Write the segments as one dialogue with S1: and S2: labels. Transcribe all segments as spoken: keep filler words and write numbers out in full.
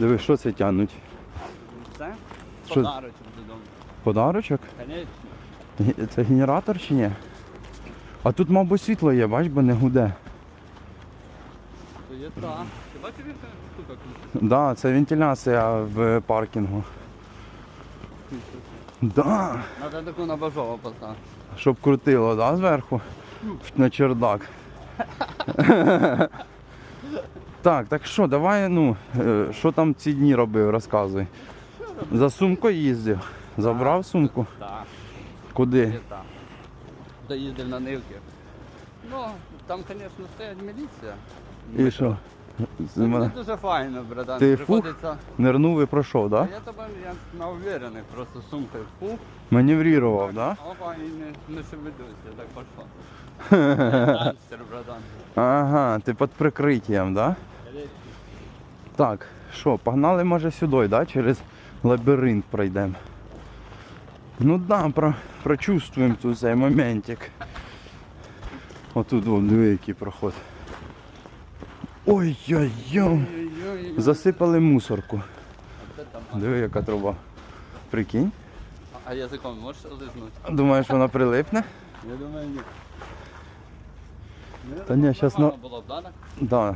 S1: Диви, що це тягнуть?
S2: Це?
S1: Що?
S2: Подарочок додому.
S1: Подарочок?
S2: Конечно.
S1: Ге- Це генератор чи ні? А тут, мабуть, світло є, бач, бо не гуде.
S2: То є та. Ти бачиш, яка штука крутиться?
S1: Так, да, це вентиляція в паркінгу. Да.
S2: Надо таку на бажова поставити.
S1: Щоб крутило, да, зверху? На чердак. Так, так що, давай, ну, е, що там ці дні робив, розказуй. За сумкою їздив. Забрав сумку?
S2: Так.
S1: Куди?
S2: Є та. Доїздив на нивки. Ну, там, звісно, стоять міліція.
S1: І що? З
S2: Ну,
S1: мене
S2: Це дуже файно, братан.
S1: Ти фух?
S2: Приходиться.
S1: Нирнув і пройшов,
S2: А
S1: так?
S2: я тебе я на уверених, просто сумкою фух.
S1: Да? Маневрував, так? Да?
S2: Опа, і не, не шевелюсь, я так пішов. Гангстер, братан.
S1: Ага, ти під прикриттям, так? Да? Так, що, погнали, може, сюди, да? Через лабіринт пройдемо. Ну да, про, прочувствуємо тут цей моментик. Отут, вон, диви, який проход. Ой-ой-ой,
S2: Ой-ой-ой.
S1: засипали мусорку.
S2: А це там.
S1: Диви, яка труба. Прикинь.
S2: А язиком можеш лизнути?
S1: Думаєш, вона прилипне?
S2: Я думаю, ні.
S1: Та ні, щас на-
S2: було б, да? так?
S1: Да.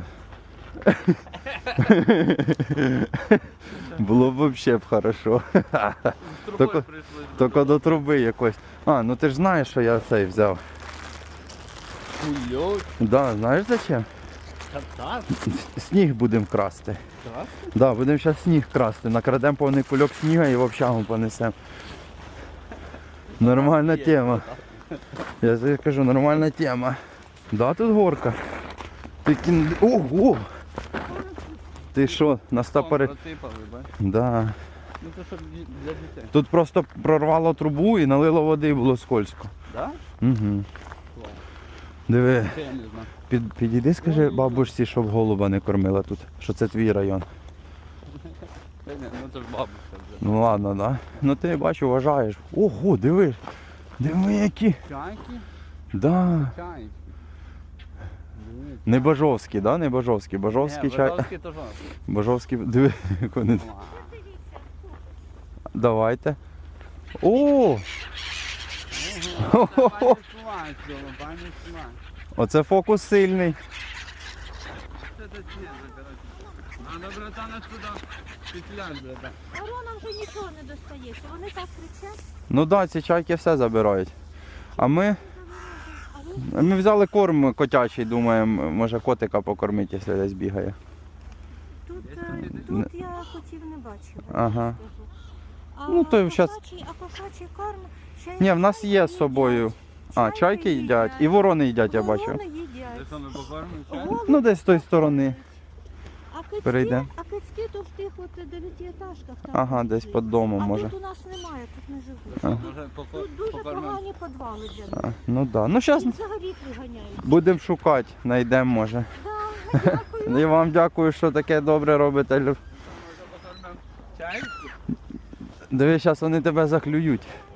S1: Було б взагалі б хорошо.
S2: З
S1: Тільки-
S2: трубою прийшли.
S1: Тільки до труби якось. А, ну ти ж знаєш, що я цей взяв.
S2: Хуйок.
S1: Да, знаєш зачем?
S2: Так?
S1: Сніг будемо красти.
S2: Так?
S1: Да, будемо зараз сніг красти. Накрадемо повний кульок снігу і в общагу понесемо. Нормальна
S2: Є,
S1: тема. Я тобі кажу, нормальна тема. Да, тут горка. Ти кін... Ого! Ти що, на стопори?
S2: Просипали, бач?
S1: Да.
S2: Ну це щоб ді- для дітей.
S1: Тут просто прорвало трубу і налило води і було скользко.
S2: Да?
S1: Угу.
S2: Клас.
S1: Диви,
S2: Це я не знаю.
S1: під, підійди, скажи бабусі, щоб голуба не кормила тут, що це твій район.
S2: Це ні, ну це ж бабуся вже.
S1: Ну ладно, да. Ну ти бачу, вважаєш. Ого, диви. Диви які.
S2: Чайки?
S1: Да.
S2: Чайки. Дивись.
S1: Не Бажовський, да? Не Бажовський. Бажовський
S2: Ні,
S1: чай.
S2: Бажовський то жовтий.
S1: Бажовський, диви, як вони.
S2: Ва.
S1: Давайте. О!
S2: Ого, це пані Слань, цього, пані Слань.
S1: Оце фокус сильний.
S2: Це це снізу, коротше. Надо, братана, сюди петлять, братан.
S3: А Ронам вже нічого не достається, вони так кричать.
S1: Ну так, да, ці чайки все забирають. А ми,
S3: А ви
S1: ми взяли корм котячий, думаємо, може котика покормити, якщо десь бігає.
S3: тут,
S2: Є
S3: е,
S1: тут?
S3: тут я котів не бачила.
S1: Ага.
S3: скажу. А
S1: Ну, то щас-
S3: кошачий, а кошачий корм ще
S1: Ні, в нас
S3: чайки
S1: є з собою.
S3: їдять.
S1: А, чайки їдять. І ворони їдять, я бачу.
S3: Ворони
S2: Де
S3: їдять.
S2: що ми покормимо? Чай?
S3: Голуби
S1: Ну, десь з тої сторони.
S3: їдять. А кицьки,
S1: Перейдем.
S3: а кицьки то в тих от дев'ятиетажках там.
S1: Ага, десь
S3: живуть.
S1: під домом,
S3: А
S1: може.
S3: тут у нас немає, тут не живуть.
S1: А.
S2: Може поко-
S3: Тут дуже
S2: покормимо?
S3: погані підвали для них.
S1: А, ну так. Да. Ну, зараз
S3: Їх взагалі виганяють.
S1: будемо шукати, знайдемо, може.
S3: Да, дякую.
S1: І вам дякую, що таке добре робите.
S2: Може покормимо чайки?
S1: Диви, зараз вони тебе заклюють.